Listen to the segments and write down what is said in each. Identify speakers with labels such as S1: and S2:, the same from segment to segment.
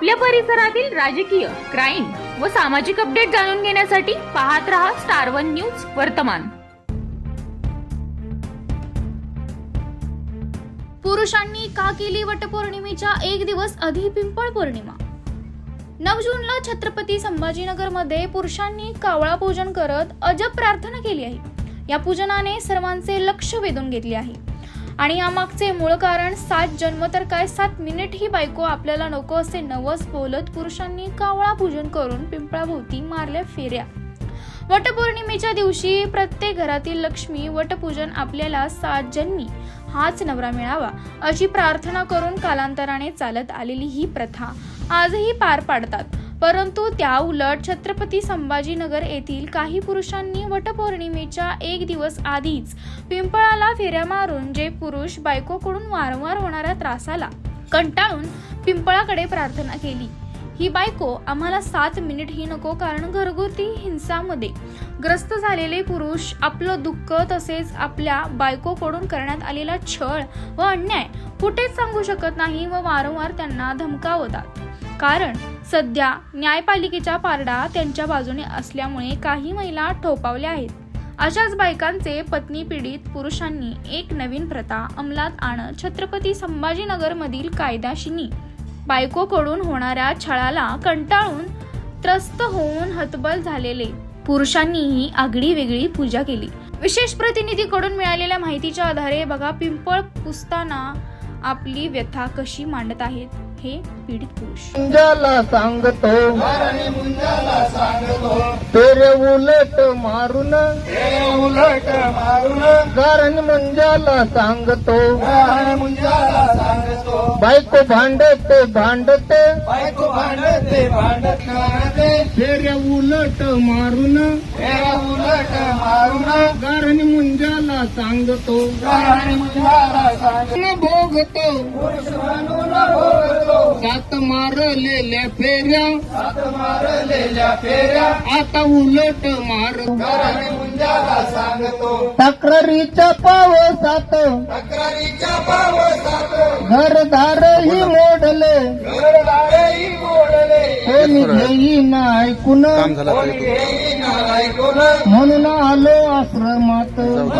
S1: आपल्या परिसरातील राजकीय, क्राईम व सामाजिक अपडेट जाणून घेण्यासाठी पाहत रहा स्टार वन न्यूज वर्तमान।
S2: पुरुषांनी का केली वटपौर्णिमेच्या एक दिवस आधी पिंपळ पौर्णिमा। 9 जूनला छत्रपती संभाजीनगर मध्ये पुरुषांनी कावळा पूजन करत अजब प्रार्थना केली आहे। या पूजनाने सर्वांचे लक्ष वेधून घेतले आहे आणि यामागचे मूळ कारण 7 जन्म तर काय 7 मिनिट ही बायको आपल्याला नको असे नवस बोलत पुरुषांनी कावळा पूजन करून पिंपळाभोवती मारल्या फेऱ्या। वटपौर्णिमेच्या दिवशी प्रत्येक घरातील लक्ष्मी वटपूजन आपल्याला 7 जन्मी हाच नवरा मिळावा अशी प्रार्थना करून कालांतराने चालत आलेली ही प्रथा आजही पार पाडतात। परंतु त्या उलट छत्रपती संभाजीनगर येथील काही पुरुषांनी वटपौर्णिमेच्या एक दिवस आधीच पिंपळाला फेऱ्या मारून जे पुरुष बायकोकडून वारंवार होणाऱ्या त्रासाला कंटाळून पिंपळाकडे प्रार्थना केली। ही बायको आम्हाला 7 मिनिट ही नको, कारण घरगुती हिंसामध्ये ग्रस्त झालेले पुरुष आपलं दुःख तसेच आपल्या बायकोकडून करण्यात आलेला छळ व अन्याय कुठेच सांगू शकत नाही व वारंवार त्यांना धमकावतात। कारण सध्या न्यायपालिकेच्या पारडा त्यांच्या बाजूने असल्यामुळे काही महिला ठोपावल्या आहेत। अशाच बायकांचे पत्नी पीडित पुरुषांनी एक नवीन प्रथा अंमलात आणत छत्रपती संभाजीनगर मधील कायदाशिनी बायकोकडून होणाऱ्या छळाला कंटाळून त्रस्त होऊन हतबल झालेले पुरुषांनीही आगळी वेगळी पूजा केली। विशेष प्रतिनिधीकडून मिळालेल्या माहितीच्या आधारे बघा पिंपळ पुसताना आपली व्यथा कशी मांडत आहेत हे पीडित पुरुष।
S3: मुंजाला सांगतो तेरे उलट मारून कारण मुंजाला सांगतो बायको भांडते तेरे उलट मारून कारण मुंजाला सांगतो भोगतो 7 मारलेल्या फेऱ्या आता उलट मार तक्रारीच्या पावसात घरदारही मोडले कोणी घेईना ऐकून म्हणून आलो आश्रमात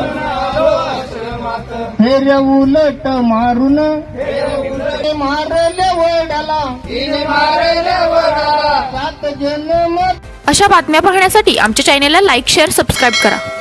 S3: फेऱ्या उलट मारून मारले वडाला 7 जन्म।
S1: अशा बातम्या पाहण्यासाठी आमच्या चॅनेलला लाईक, शेअर, सबस्क्राईब करा।